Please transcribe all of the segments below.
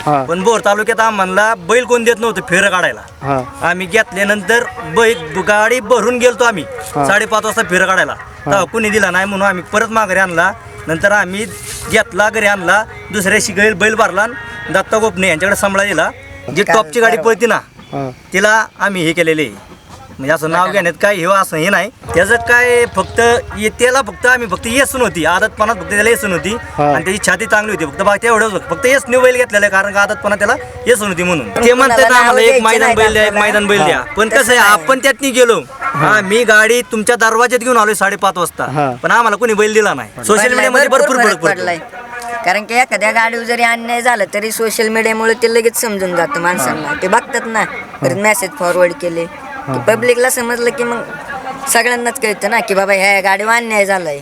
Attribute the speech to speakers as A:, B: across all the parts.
A: पण बोर तालुक्यात आम्हाला बैल कोण देत नव्हतं फेरं काढायला. आम्ही घेतल्यानंतर गाडी भरून गेलतो आम्ही 5:30 वाजता फेरं काढायला. तेव्हा कुणी दिला नाही म्हणून आम्ही परत माघारी आणला. नंतर आम्ही घेतला, घरी आणला, दुसऱ्याशी बैल भरला, दत्ता गोपने यांच्याकडे सांभाळा दिला. जी टॉपची गाडी पळती ना तिला आम्ही हे केलेले, म्हणजे असं नाव घेण्यात काय हे असं हे नाही. त्याचं काय फक्त त्याला फक्त आम्ही फक्त येसून होती आदतपणात, फक्त त्याला येसून होती आणि त्याची छाती चांगली होती. फक्त बाकी एवढंच फक्त येस न्यू बैल घेतलेलं आहे, कारण का आदतपणा त्याला येसून होती म्हणून. ते म्हणतात आम्हाला एक मैदान बैल द्या, एक मैदान बैल द्या. पण कसं आहे, आपण त्यात गेलो, मी गाडी तुमच्या दरवाज्यात घेऊन आलोय 5:30 वाजता, पण आम्हाला कोणी बैल दिला नाही. सोशल मीडियामध्ये भरपूर फरक पडलाय.
B: कारण की एखाद्या गाडीवर जरी अन्याय झाला तरी सोशल मीडियामुळे ते लगेच समजून जातं माणसांना. ते बघतात ना, परत मेसेज फॉरवर्ड केले की पब्लिकला समजलं की मग सगळ्यांनाच कळतं ना की बाबा ह्या गाडीवर अन्याय झालाय.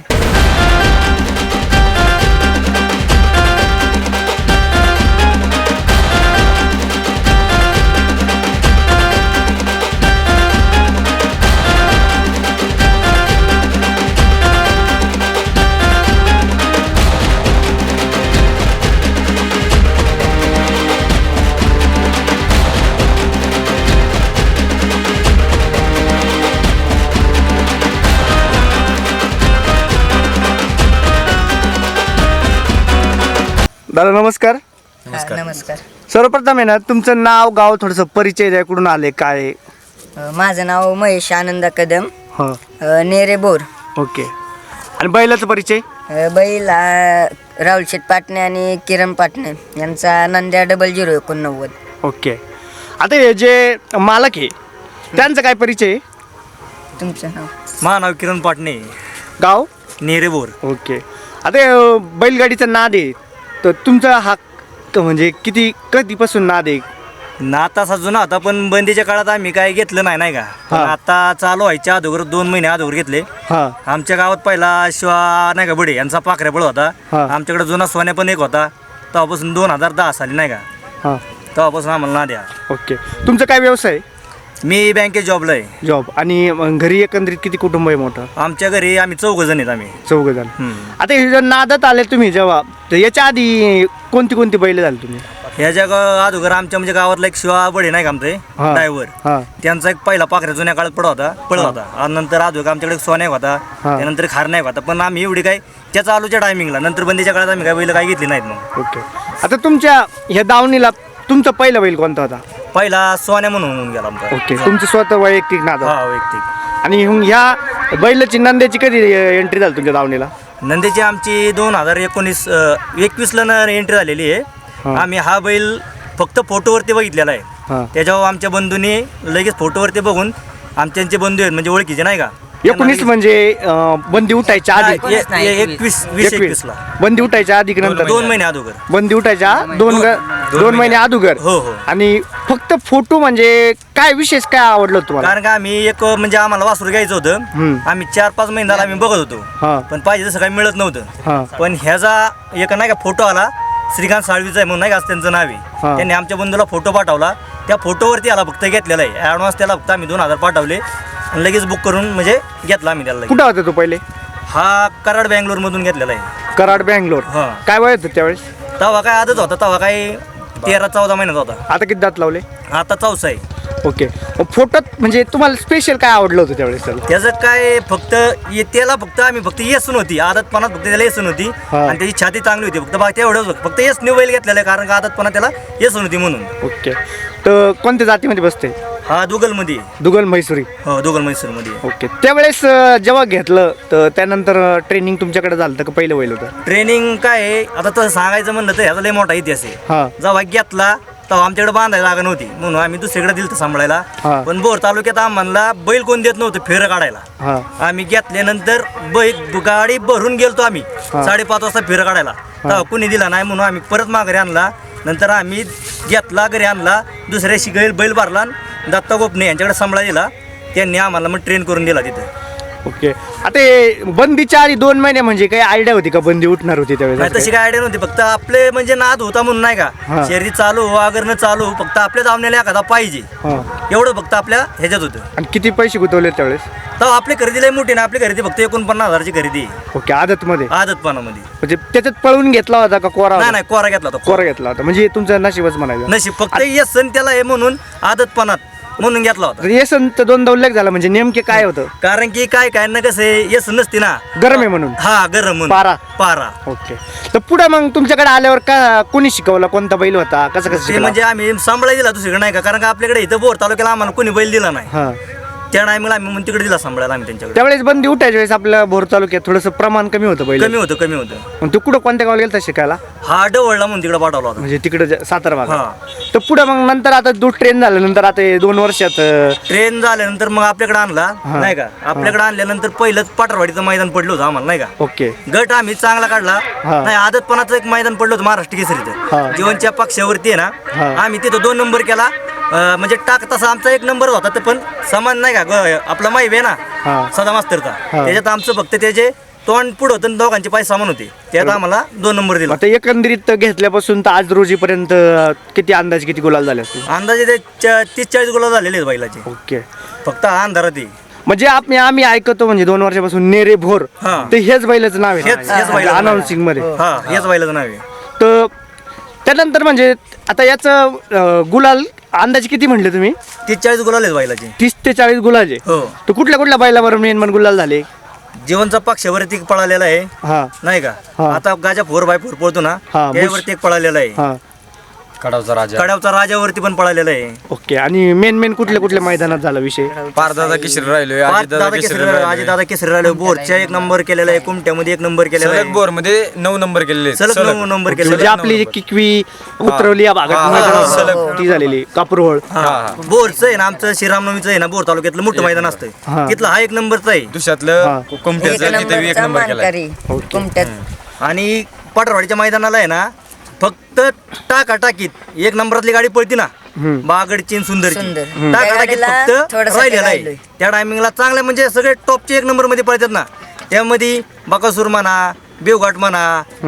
C: दादा नमस्कार.
B: नमस्कार.
C: सर्वप्रथम आहे ना, तुमचं नाव गाव थोडंसं परिचय द्या, कुठून आले काय?
B: माझं नाव महेश आनंद कदम, नेरे बोर.
C: ओके. आणि बैलाचा परिचय?
B: बैल राहुल शेठ पाटणे आणि किरण पाटणे यांचा नंद्या 0089.
C: ओके. आता हे जे मालक आहे त्यांचा काय परिचय?
B: तुमचं नाव?
A: माझं नाव किरण पाटणे,
C: गाव
A: नेरेबोर.
C: ओके. आता हे बैलगाडीचा नाद आहे, तर तुमचा हा म्हणजे कधीपासून नाद आहे?
A: नाता जुना होता, पण बंदीच्या काळात आम्ही काय घेतलं नाही का. पण आता चालू व्हायच्या अगोदर 2 महिने अगोदर घेतले. आमच्या गावात पहिला शिवा नाही का बडे यांचा पाखऱ्या होता. आमच्याकडे जुना सोन्या पण एक होता. तेव्हापासून 2010 साली नाही का, तेव्हापासून आम्हाला नाद आहे.
C: ओके. तुमचा काय व्यवसाय?
A: मी बँकेत जॉबला आहे.
C: जॉब. आणि घरी एकंदरीत किती कुटुंब आहे मोठं?
A: आमच्या घरी आम्ही 4 जण आहेत. आम्ही
C: 4 जण. आता हे जर नादात आले तुम्ही जेव्हा, तर याच्या आधी कोणती बैल झाली तुम्ही?
A: ह्या जगा अगोदर आमच्या म्हणजे गावातला एक शिवा बडे नाही का आमचे ड्रायव्हर, त्यांचा एक पहिला पाखऱ्या जुन्या काळात पडत होता. आणि नंतर अगोदर आमच्याकडे सोन्या होता, त्यानंतर खार नाही होता. पण आम्ही एवढी काय त्याचा आलूच्या टायमिंगला, नंतर बंदीच्या काळात आम्ही काय बैल काही घेतली नाहीत मग.
C: ओके. आता तुमच्या ह्या दावणीला तुमचा पहिला बैल कोणता होता?
A: पहिला सोन्या म्हणून होऊन गेला आमचा.
C: ओके. तुमचं स्वतः वैयक्तिक नाद?
A: हा, वैयक्तिक.
C: आणि ह्या बैलाची नंद्याची कधी एंट्री झाली तुमच्या दावणीला?
A: नंदीची आमची 2019-21ला एंट्री झालेली आहे. आम्ही हा बैल फक्त फोटोवरती बघितलेला आहे. त्याच्यावर आमच्या बंधूंनी लगेच फोटोवरती बघून, आमचे बंधू आहेत म्हणजे ओळखीचे नाही का.
C: 19 म्हणजे बंदी उठायच्या आधी?
A: 2021ला
C: बंदी उठायच्या आधी की नंतर?
A: 2 महिने अगोदर.
C: बंदी उठायच्या 2 महिने अगोदर.
A: हो.
C: आणि फक्त फोटो म्हणजे काय विशेष काय आवडलं तुम्हाला?
A: कारण का आम्ही एक म्हणजे आम्हाला वासरू घ्यायचं होतं. आम्ही 4-5 महिने झाला आम्ही बघत होतो, पण पाहिजे तसं काही मिळत नव्हतं. पण ह्याचा एक नाही का फोटो आला, श्रीकांत साळवीचा आहे म्हणून नाही का त्यांचं नाव आहे. त्यांनी आमच्या बंधूला फोटो पाठवला. त्या फोटोवरती आला फक्त घेतलेला आहे. ॲडव्हान्स त्याला फक्त आम्ही 2000 पाठवले आणि लगेच बुक करून म्हणजे घेतला आम्ही त्याला.
C: कुठं होता तो पहिले?
A: हा कराड बँगलोर मधून घेतलेला आहे.
C: कराड बँगलोर. काय वय होतं त्यावेळेस?
A: तेव्हा काय आदत होता, तेव्हा काय 13-14 महिन्याचा होता.
C: आता किती दात लावले?
A: आता 4 आहे.
C: ओके. फोटोत म्हणजे तुम्हाला स्पेशल काय आवडलं होतं त्यावेळेस?
A: त्याचं काय फक्त त्याला फक्त आम्ही फक्त येसून होती आदतपणात, फक्त त्याला येसून होती आणि त्याची छाती चांगली होती. फक्त बाकी एवढंच फक्त येस न्यू बैल घेतलेलं आहे, कारण का आदतपणा त्याला येसून होती म्हणून.
C: ओके. तर कोणत्या जातीमध्ये बसते?
A: हा दुगलमध्ये.
C: दुगल म्हैसुरी.
A: हो, दुगल म्हैसूरमध्ये.
C: ओके. त्यावेळेस जेव्हा घेतलं तर त्यानंतर ट्रेनिंग तुमच्याकडे झालं तर का पहिलं बैल होतं?
A: ट्रेनिंग काय आहे आता तसं सांगायचं म्हणलं तर ह्याचा लय मोठा इतिहास आहे. जेव्हा घेतला तेव्हा आमच्याकडे बांधायला जागा नव्हती म्हणून आम्ही दुसरीकडे दिलं सांभाळायला. पण बोर तालुक्यात आम्हाला बैल कोण देत नव्हतं फेरं काढायला. आम्ही घेतल्यानंतर गाडी भरून गेलतो आम्ही 5:30 वाजता फेरं काढायला. तेव्हा कुणी दिला नाही म्हणून आम्ही परत माघारी आणला. नंतर आम्ही घेतला, घरी आणला, दुसऱ्याशी बैल भरला, दत्ता गोपने यांच्याकडे सांभाळा दिला. त्यांनी आम्हाला मग ट्रेन करून दिला तिथं.
C: ओके. आता हे बंदीच्या आधी 2 महिने म्हणजे काही आयडिया होती का बंदी उठणार होती
A: नाही
C: त्यावेळेस?
A: तशी काय आयडिया नव्हती, फक्त आपले म्हणजे नाद होता म्हणून नाही
C: हा.
A: का शर्यत चालू अगर न चालू फक्त आपल्या धावण्याला एखादा पाहिजे
C: हां.
A: एवढं फक्त आपल्या ह्याच्यात होतं.
C: आणि किती पैसे गुंतवले त्यावेळेस?
A: तर आपली खरेदी लय मोठी ना, आपली खरेदी फक्त 49,000ची खरेदी आहे.
C: ओके. आदतमध्ये
A: आदतपणामध्ये
C: म्हणजे त्याच्यात पळून घेतला होता का कोरा
A: नाही
C: होता?
A: नाही कोरा घेतला होता.
C: कोरा घेतला होता म्हणजे तुमचं नशीबच म्हणायचं.
A: नशीब फक्त यस सण त्याला आहे म्हणून आदतपणात म्हणून घेतला होता.
C: येसन तर 2दा उल्लेख झाला म्हणजे नेमके काय होतं?
A: कारण की काय काय ना कसं आहे यस नसते ना,
C: गरम आहे म्हणून.
A: हा गरम म्हणून पारा
C: ओके. तर पुढे मग तुमच्याकडे आल्यावर का कोणी शिकवलं, कोणता बैल होता, कसं कसं
A: ते
C: शिकला?
A: म्हणजे आम्ही सांभाळायला दिला दुसरीकडे नाही का, कारण का आपल्याकडे इथं बोर तालुक्याला आम्हाला कोणी बैल दिला नाही.
C: हां.
A: त्या टायमिंगला आम्ही म्हणून तिकडे दिला सांभाळायला आम्ही त्यांच्याकडे.
C: त्यावेळेस बंदी उठायच्या वेळेस आपल्या भोर तालुक्यात थोडंसं प्रमाण कमी होतं बैल.
A: कमी होतं.
C: मग तू कुठं कोणत्या गावाला गेलता शिकायला?
A: हा डवळला म्हणून तिकडे पाठवला होता.
C: म्हणजे तिकडे सातारा भागात.
A: हा.
C: तर पुढे मग नंतर आता दूध ट्रेन झाल्यानंतर आता हे 2 वर्षात
A: ट्रेन झाल्यानंतर मग आपल्याकडे आणला नाही का, आपल्याकडे आणल्यानंतर पहिलंच पाटरवाडीचं मैदान पडलं होतं आम्हाला नाही का.
C: ओके.
A: गट आम्ही चांगला काढला
C: हा.
A: नाही, आदतपणाचं एक मैदान पडलं होतं महाराष्ट्र
C: हा.
A: केसरीचं जीवनच्या पक्षावरती आहे
C: हा.
A: ना, आम्ही तिथं 2 नंबर केला. म्हणजे टाक तसा आमचा 1 नंबर होता, तर पण समान नाही का आपला माहिती आहे
C: हा.
A: ना सदा मास्तरचा,
C: हा.
A: त्याच्यात आमचं फक्त त्याचे तोंड पुढं होतं आणि दोघांचे पाय समान होते, त्यात आम्हाला 2 नंबर दिला.
C: आता एकंदरीत घेतल्यापासून तर आज रोजीपर्यंत किती गुलाल झाले असतील?
A: अंदाजे ते 30-40 गुलाब झालेले आहेत बैलाचे,
C: ओके.
A: फक्त हा अंधारात आहे.
C: म्हणजे आम्ही ऐकतो म्हणजे 2 वर्षापासून नेरे भोर,
A: हा.
C: ते हेच बैलाचं नाव
A: हेच बैलाचं नाव आहे.
C: अनाउन्सिंग मध्ये.
A: हा हेच बैलाचं नाव आहे.
C: तर त्यानंतर म्हणजे आता याचं गुलाल अंदाजे किती म्हणले तुम्ही?
A: 30-40 गुलाल आहेत बैलाचे.
C: 30 ते 40 गुलाल.
A: हो.
C: तर कुठल्या बैलावर मेन गुलाल झाले?
A: जीवनचा पक्षावरती एक पळालेला आहे
C: हा.
A: नाही का,
C: हा.
A: आता गाजा 4x4 पळतो ना,
C: हा,
A: त्यावरती एक पळालेला आहे.
C: हा.
A: कडावचा राजावरती पण पळालेला आहे.
C: ओके. आणि मेन कुठल्या मैदानात झाला विषय?
D: पारदादा केसरी राहिलोय,
A: दादा केसरी राहिले, बोरच्या 1 नंबर केलेला आहे, कुमट्यामध्ये 1 नंबर केलेला आहे,
D: बोर मध्ये 9 नंबर केलेले
A: सलग 9 नंबर केलेला
C: म्हणजे
A: आहे.
C: आपली जी किकवी उतरवली या भागात
D: हा,
C: मैदानात
D: सलग.
C: ती झालेली कापूरहोळ.
A: बोरचं आहे ना आमचं श्रीरामनवमीचं आहे ना, बोर तालुक्यातलं मोठं मैदान
C: हा.
A: असतं, तिथलं हा 1 नंबरचा आहे.
D: दुसऱ्यातलं कोमट्याचं तिथे 1
B: नंबरचा
D: नंबर केलाय.
B: मानकरी
C: ओके.
B: कुमट्यात.
A: आणि पाटरवाडीच्या मैदानाला आहे ना फक्त टाकाटाकीत 1 नंबरातली गाडी पळती ना, बागडची आणि सुंदरची,
B: सुंदर.
A: टाकाटाकीत
B: त्या गाडीला
A: फक्त
B: थोडंसं
A: राहिलेला आहे.
B: राहिलोय.
A: त्या टायमिंगला चांगले म्हणजे सगळे टॉपचे 1 नंबर मध्ये पळतात ना, त्यामध्ये बकासूर म्हणा, बेवघाट म्हणा,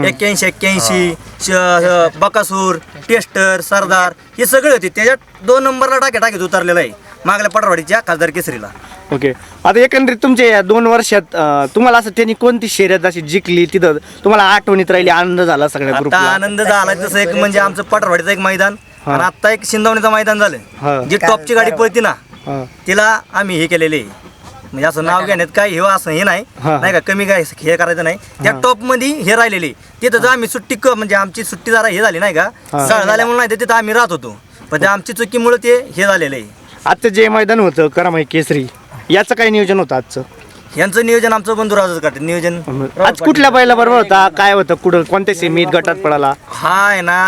A: 81-81, बकासूर, टेस्टर, सरदार हे सगळे होते. त्याच्यात 2 नंबरला टाकीत उतरलेला आहे मागल्या पाटरवाडीच्या खासदार केसरीला.
C: ओके. आता एकंदरीत तुमच्या या 2 वर्षात तुम्हाला असं त्यांनी कोणती शर्यत अशी जिंकली तिथं तुम्हाला आठवणीत राहिली, आनंद झाला सगळ्या
A: आता
C: ग्रुपला?
A: आनंद झाला तसं एक म्हणजे आमचं पाटरवाडीचं एक मैदान
C: हा.
A: आणि आता एक शिंदवणीचं मैदान
C: हा.
A: झालं, जी टॉपची गाडी पळती ना
C: हा.
A: तिला आम्ही हे केलेले आहे. म्हणजे असं नाव घेण्यात काय हे असं हे नाही
C: हा.
A: नाही का, कमी काय हे करायचं नाही. त्या टॉप मध्ये हे राहिलेले तिथं जर आम्ही सुट्टी म्हणजे आमची सुट्टी जरा हे झाली नाही का, सळ झाल्यामुळे नाही तर तिथं आम्ही राहत होतो, पण त्या आमची चुकीमुळे ते हे झालेलं आहे.
C: आजचं जे मैदान होतं करामाई केसरी याचं काय नियोजन होतं आजचं?
A: यांचं नियोजन आमचं बंधुराजच करते नियोजन.
C: आज कुठल्या बैला बरोबर होता, काय होतं, कुठं कोणत्या सेमीत गटात पळाला?
A: हा आहे ना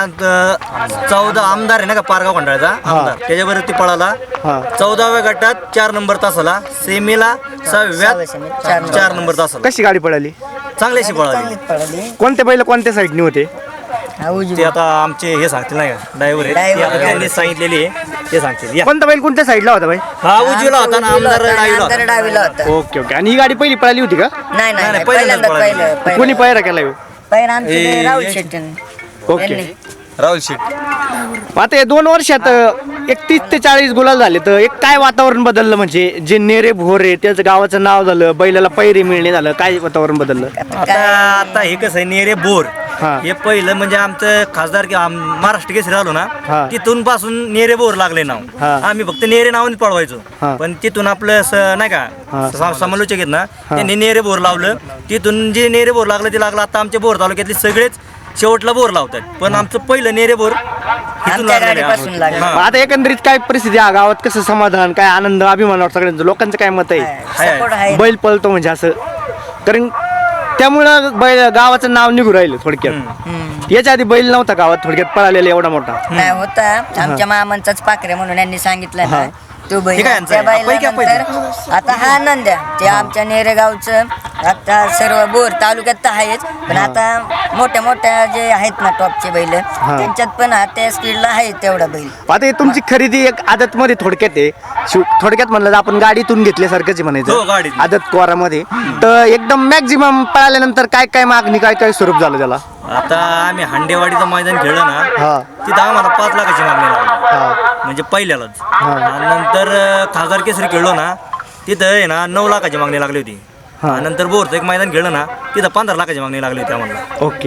A: 14 आमदार आहे ना का पारगाव खंडाळचा आमदार, त्याच्याबरोबर ती पळाला.
C: हा.
A: 14व्या गटात 4 नंबर तासाला, सेमीला 6व्यात 4 नंबर तासाला
C: कशी गाडी पळाली?
A: चांगल्याशी पळाली.
B: चांगलीच पळाली.
C: कोणते बैल कोणत्या साईडने होते?
B: हा, उजवी.
A: ते आता आमचे हे सांगतील नाही का ड्रायव्हर आहे, ते आता त्यांनी सांगितलेली आहे ते सांगतील. या.
C: कोणता बैल कोणत्या साईडला होता बाई?
A: हा उजवीला होता ना,
B: उजवीला
A: आमदार
B: होता आणि
A: डावीला
B: आमदार
A: होता.
B: डावीला होता.
C: Okay okay. आणि ही गाडी पहिली पळाली होती का?
B: नाही नाही
A: नाही,
B: पहिल्यांदा
A: पहिल्यांदाच
B: पहिलं
C: कोणी पायरा केला ह्यो?
B: पहिलं आमचे राहुल शेट्टी.
C: ओके.
D: राहुल शेट.
C: आता या 2 वर्षात 31 ते 40 गुलाल झाले, तर एक काय वातावरण बदललं म्हणजे जे नेरे भोरे त्याचं गावाचं नाव झालं, बैलाला पैरे मिळणे झालं, काय वातावरण बदललं?
A: आता हे कसं आहे नेरे बोर
C: हा.
A: हे पहिलं म्हणजे आमचं खासदार महाराष्ट्र केसरी आलो
C: हा.
A: ना, तिथून पासून नेरे बोर लागले नाव.
C: हा.
A: आम्ही फक्त नेरे नावाने पळवायचो,
C: हा.
A: पण तिथून आपलं नाही
C: हा.
A: का समालोचक आहेत ना, त्यांनी नेरे बोर लावलं. तिथून जे नेरे बोर लागलं ते लागलं. आता आमच्या बोर तालुक्यातले सगळेच शेवटला बोर लावतात, पण आमचं पहिलं नेरे बोर इथून
B: आमच्या
A: लागलेलं आहे.
B: गाडीपासून लागलं.
A: हा.
C: मग आता एकंदरीत काय परिस्थिती आहे गावात, कसं समाधान, काय आनंद, अभिमान वाटतं सगळ्यांचं, लोकांचं काय मत आहे?
B: सपोर्ट आहे.
C: बैल पळतो म्हणजे असं, कारण त्यामुळं बैल गावाचं नाव निघू राहिलं थोडक्यात.
B: हम्म.
C: याच्या आधी बैल नव्हता गावात थोडक्यात पळालेला एवढा मोठा.
B: नाही होता आमच्या मामांचाच पाखरे म्हणून यांनी सांगितलं ना, तो बैल
A: ठीक आहे यांचं
B: त्या
A: आहे. पैकी आहे पहिले.
B: बैलानंतर आता हा नंद्या ते आमच्या नेरेगावचं आता सर्व बोर तालुक्यात तर आहेच पण आता मोठ्या मोठ्या जे आहेत ना टॉपचे बैल त्यांच्यात पण हा त्या स्पीडला आहे तेवढा बैल.
C: आता हे तुमची खरेदी एक आदत मध्ये थोडक्यात आहे थोडक्यात म्हणलं तर आपण गाडीतून घेतल्यासारखंच आहे
A: हो,
C: म्हणायचं
A: गाडीतून.
C: आदत कोरामध्ये तर एकदम मॅक्झिमम पळाल्यानंतर काय काय मागणी काय काय स्वरूप झालं त्याला
A: आता आम्ही हांडेवाडीचं मैदान खेळलं
C: हा.
A: ना तिथं आम्हाला 5 लाखाची मागणी लागली
C: हा
A: म्हणजे पहिल्यालाच. आणि नंतर खासदार केसरी खेळलो ना तिथं आहे ना 9 लाखाची मागणी लागली होती. आणि नंतर बोरचं एक मैदान खेळलं ना तिथं 15 लाखाची मागणी लागली होती आम्हाला.
C: ओके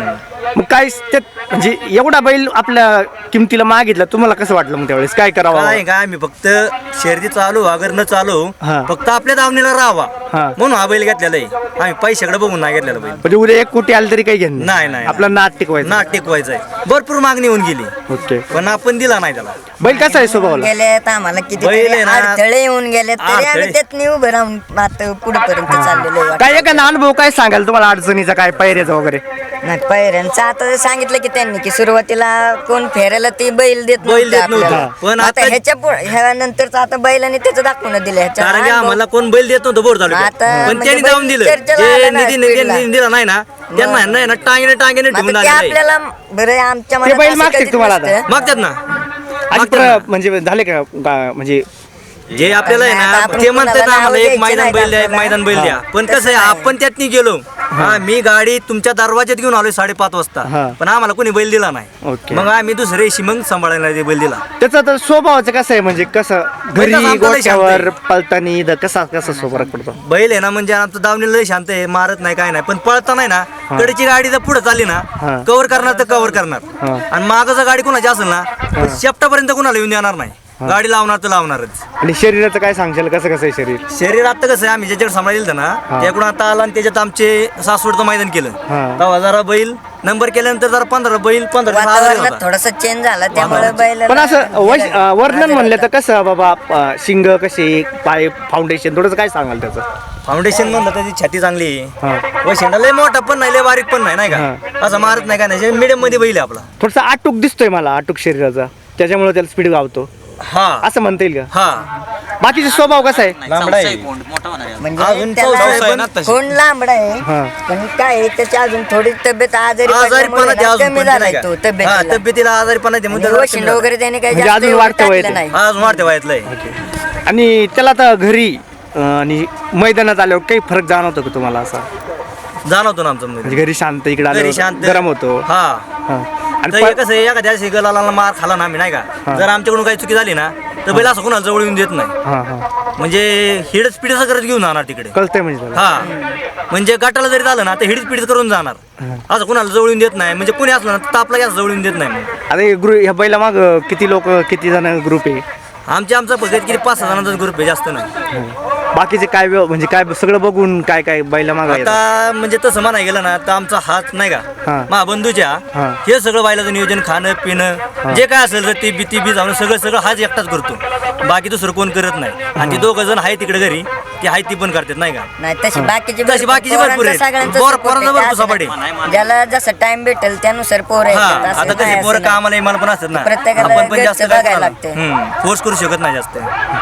C: मग काय त्यात म्हणजे एवढा बैल आपल्या किमतीला मागितला तुम्हाला कसं वाटलं मग त्यावेळेस काय करावं
A: काय का आम्ही फक्त शर्दी चालू अगर न चालू
C: हा.
A: फक्त आपल्या दावणीला राहावा
C: हा.
A: म्हणून हा बैल घेतलेला आहे. आम्ही पैशाकडे बघून नाही घेतलेला बैल.
C: म्हणजे उद्या एक कोटी आलं तरी काही घेणं
A: नाही, नाही.
C: आपलं नाट टिकवायचं
A: नाट टिकवायचंय भरपूर मागणी होऊन गेली
C: ओके
A: पण आपण दिला नाही त्याला.
C: बैल कसा आहे स्वभावाला
B: गेलेत आम्हाला किती
A: बैल आहे ना,
B: अडथळे येऊन गेले तरी आम्ही
A: अडथळे.
B: त्यात उभं राहून आता पुढेपर्यंत चाललेलो आहे.
C: काय एखादा अनुभव काय सांगाल तुम्हाला अडचणीचा काय पायऱ्याचा वगैरे
B: नाही पायऱ्यांचं आता सांगितलं की त्यांनी की सुरुवातीला कोण फेरायला ते बैल देत
A: बैल देत
B: आपल्याला.
A: नव्हतं. पण
B: आता
A: आता-
B: ह्याच्या ह्यानंतरच आता बैलाने त्याचं दाखवून दिलं ह्याच्या
A: कारण की
B: अनुभव-
A: आम्हाला कोण बैल देत नव्हतं बोर तालुक्यात
B: आता
A: पण
B: म्हणजे
A: त्यांनी
B: बैल
A: जाऊन दिलं
B: चर्चेला
A: जे
B: आला ना
A: निधी
B: स्पीडला.
A: दिला नाही ना त्यांना ह्यांना आहे ना टांगेने
B: मग
A: ठेवून
B: आता ते
A: आलेलं आहे.
B: आपल्याला बरं आमच्या
C: ते
B: मनात
C: बैल
B: असं
C: मागते
B: कधीच
C: तुम्हाला आता?
B: नसतं.
A: मागतात ना
C: आणि
A: मागतात ना.
C: म्हणजे झाले का म्हणजे
A: जे आपल्याला आहे
B: आता
A: ना
B: आपण
A: ते म्हणतात
B: कुणाला
A: ना आम्हाला
B: नावं
A: एक मैदान
B: द्यायची
A: बैल द्या एक
B: नाहीत
A: मैदान बैल द्या पण
B: तसं
A: कसं आहे
B: नाही.
A: आपण त्यात नाही गेलो मी गाडी तुमच्या दरवाज्यात घेऊन आलोय 5:30
C: हा.
A: वाजता पण आम्हाला कोणी बैल दिला नाही.
C: ओके.
A: मग आम्ही दुसऱ्या दिवशी मग सांभाळायला ते बैल दिला.
C: त्याचा तर स्वभावाचं कसं आहे म्हणजे कसं घरी
A: बैल आमचा लय शांत
C: गोठ्यावर
A: आहे.
C: पळतानी कसा कसा फरक पडतो
A: बैल आहे ना म्हणजे आमचं दावणीला लय शांत आहे मारत नाही काय नाही पण पळता नाही ना कडेची गाडी जर पुढे चालली ना
C: हा.
A: कव्हर करणार तर कव्हर करणार
C: हा.
A: आणि मागं जर गाडी कोणाची असेल ना तर शेपटापर्यंत कोणाला येऊन देणार नाही. गाडी लावणार तर लावणारच.
C: आणि शरीराचं काय सांगशाल कसं कसं आहे शरीर
A: शरीर आता कसं आहे आम्ही ज्याच्याकडे सांभाळलं ना त्याकडून आता आला आणि त्याच्यात आमचे सासवडचं मैदान केलं
C: हा.
A: तेव्हा जरा बैल नंबर केल्यानंतर जरा 15 बैल 15
B: वातावरणात थोडासा चेंज झाला त्यामुळे बैल
C: पण असं वर्णन म्हणलं तर कसं बाबा शिंग कसे पाय फाउंडेशन थोडंसं काय सांगाल त्याचं
A: फाउंडेशन म्हणलं त्याची छाती चांगली
C: हा.
A: आहे वैशिंडा लय मोठा पण नाही लय बारीक पण नाही का असं मारत नाही का नाही मिडियम मध्ये बैल आहे आपला.
C: थोडंसं आटूक दिसतोय मला आटूक शरीराचा त्याच्यामुळे त्याला स्पीड गावतो
A: हा
C: असं म्हणता येईल का
A: हा
C: बाकीचा स्वभाव कसा आहे
A: लांबडा आहे
B: म्हणजे
A: अजून
B: त्याला
A: चौसा आहे ना
D: तशी.
B: कोण लांबडा आहे
C: हा.
B: पण काय आहे, त्याची अजून थोडी तब्येत आजारी
A: आजारीपणा
B: पडल्यामुळे
A: ते
B: ना
A: अजून
B: कमी
A: पण
B: झालाय
A: नाही
B: तो
A: का? हा,
B: तब्येतीला
A: तब्येतीला आजारीपणा ते
B: म्हणजे
A: म्हणून
B: वशिंड वगैरे त्याने काही
C: म्हणजे
B: जास्त
C: अजून
B: एवढं
C: वाढतं वय
B: टाकलं
C: ते.
B: नाही.
A: आज वाढते वयातलं आहे.
C: आणि त्याला आता घरी आणि मैदानात आल्यावर काही फरक जाणवतो का तुम्हाला असा
A: जाणवतो ना आमचं मध्ये.
C: म्हणजे घरी शांत इकडे
A: घरी
C: आल्यावर
A: शांत
C: गरम होतो
A: हा
C: हा. आणि
A: तर हे कसं आहे एखाद्या शिकलाला मार खाला ना आम्ही नाही
C: हा.
A: का जर आमच्याकडून काही चुकी झाली ना तर बैल असं कोणाला जवळ येऊन देत नाही.
C: हा हा
A: म्हणजे हिड स्पीडच करत घेऊन जाणार तिकडे.
C: कळतंय म्हणजे त्याला.
A: हा म्हणजे गटाला जरी झालं ना तर हिड स्पीड करून जाणार असं कोणाला जवळ येऊन देत नाही म्हणजे कोणी असलं ना तर आपला गॅस जवळ येऊन देत नाही मग.
C: आता हे ग्रुप ह्या बैला माग किती लोक किती जण ग्रुप आहे
A: आमचा फक्त किती 5-6 जणांचा ग्रुप आहे जास्त नाही.
C: बाकीचे काय म्हणजे काय सगळं बघून काय काय बैला माग
A: आता म्हणजे तसं म्हणाय गेलं ना तर आमचा हात नाही
C: हा.
A: का मा बंधूच्या
C: हा.
A: हे सगळं बैलाचं नियोजन खाणं पिणं जे काय असेल तर ती बी जाणं सगळं हाच एकटाच करतो बाकी दुसरं कोण करत नाही. आणि ती 2 जण आहे तिकडे घरी ती आहे ती पण करतात नाही का.
B: नाही तशी बाकीची
A: तशी बाकीची भरपूर आहेत.
B: सगळ्यांचं
A: पोरांचं भरपूर सपाट
B: आहे. ज्याला जसं टाइम भेटेल त्यानुसार पोर
A: हा आता कशी पोरं कामाला इमाला पण असतात ना
B: प्रत्येकाला
A: आपण पण जास्त
B: घरचं बघायला लागतंय.
A: फोर्स करू शकत नाही जास्त.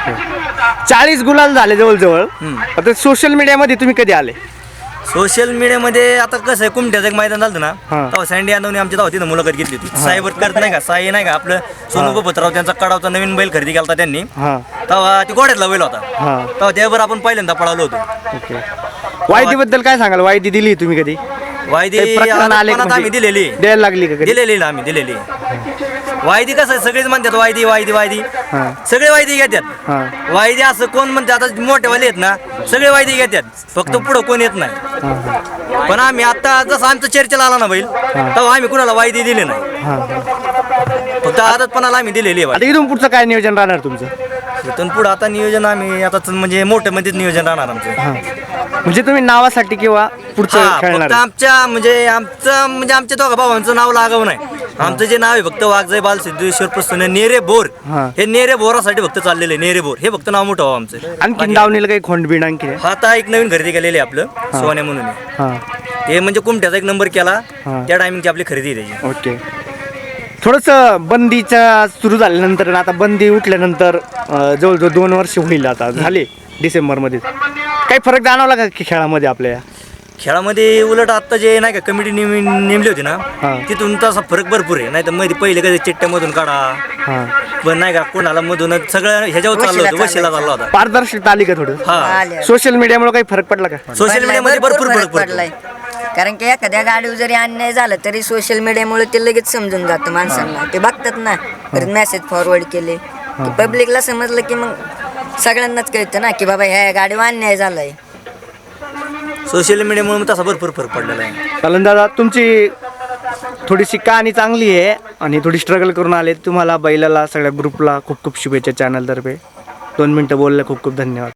C: 40 गुलाल झाले जवळजवळ
A: हम्म.
C: आता सोशल मीडियामध्ये तुम्ही कधी आले
A: सोशल मीडियामध्ये आता कसं आहे कुमट्याचं एक मैदान झालं ना
C: हा.
A: तेव्हा सँडी यादवने आमच्या तेव्हा तिथं मुलाखत घेतली होती. साहेब करत नाही का साई नाही का आपलं सोनू पत्राव त्यांचा कडावचा नवीन बैल खरेदी केला त्यांनी
C: हा
A: तेव्हा ती घोड्यातला बैल होता
C: हा
A: तेव्हा त्यावर आपण पहिल्यांदा पळालो होतो.
C: ओके वायदीबद्दल काय सांगाल वायदी दिली तुम्ही कधी
A: वायदी
C: काही प्रकरण आले का
A: आम्ही
C: म्हणजे
A: दिलेली
C: द्यायला लागली का कधी
A: दिलेली आम्ही दिलेली. वायदी कसं आहे सगळेच म्हणतात वायदी वायदी वायदी
C: हा
A: सगळे वायदी घेतात.
C: हा
A: वायदी असं कोण म्हणते आता मोठेवाले आहेत ना सगळे वायदी घेतात फक्त पुढं कोण येत नाही.
C: हा हा
A: पण आम्ही आता जसं आमचं चर्चेला आला ना बैल तेव्हा आम्ही कुणाला वायदी दिली नाही
C: हा
A: फक्त आदतपणाला आम्ही दिलेली आहे
C: आता इथून पुढचं काय नियोजन राहणार तुमचं
A: वायदी. इथून पुढं आता नियोजन आम्ही आता म्हणजे मोठं मध्येच नियोजन राहणार आमचं.
C: हा म्हणजे तुम्ही नावासाठी किंवा पुढचं
A: हा,
C: खेळणार
A: फक्त आमच्या दोघा भावांचं नाव लागावं नाही. आमचं जे नाव आहे फक्त वाघजय बाल सिद्धेश्वर प्रसन्न नेरे बोर
C: हा.
A: हे नेरे बोरासाठी फक्त चाललेले नेरे बोर हे फक्त नाव मोठं व्हावं आमचं.
C: आणखी दावणीला काही खोंडबिण आणखी आहे?
A: हा आता एक नवीन खरेदी केलेली आहे आपलं सोन्या म्हणून आहे.
C: हा
A: ते म्हणजे कुमट्याचा एक नंबर केला
C: हा.
A: त्या टायमिंगची आपली खरेदी आहे त्याची.
C: ओके थोडंसं बंदीच्या सुरू झाल्यानंतर आणि आता बंदी उठल्यानंतर जवळजवळ 2 वर्ष होईल आता झाले डिसेंबरमध्ये. काही फरक जाणवला का की खेळामध्ये आपल्या?
A: खेळामध्ये उलट आता जे नाही का कमिटी नेमली होती ना
C: हा.
A: तिथून तसा फरक भरपूर आहे. नाही तर मध्ये पहिले कधी चिठ्ठ्यामधून काढा
C: हां,
A: पण नाही का कोणाला मधूनच सगळं ह्याच्यावर चाललं होतं, वशिला चालला होता.
C: पारदर्शकता आली का थोडं?
A: हा
B: आले.
C: सोशल मीडियामुळे काही फरक पडला का?
A: सोशल मीडियामध्ये भरपूर फरक पडलाय.
B: कारण की एखाद्या गाडीवर जरी अन्याय झाला तरी सोशल मीडियामुळे ते लगेच समजून जातं माणसांना. ते बघतात ना, परत मेसेज फॉरवर्ड केले की पब्लिकला समजलं की मग सगळ्यांनाच कळतं ना की बाबा ह्या गाडीवर अन्याय झालाय.
A: सोशल मीडियामुळे तसा भरपूर फरक पडलेला आहे.
C: चालन दादा, तुमची थोडीशी कहाणी चांगली आहे आणि थोडी स्ट्रगल करून आले. तुम्हाला बैलाला सगळ्या ग्रुपला खूप खूप शुभेच्छा चॅनलतर्फे. 2 मिनटं बोलले, खूप खूप धन्यवाद.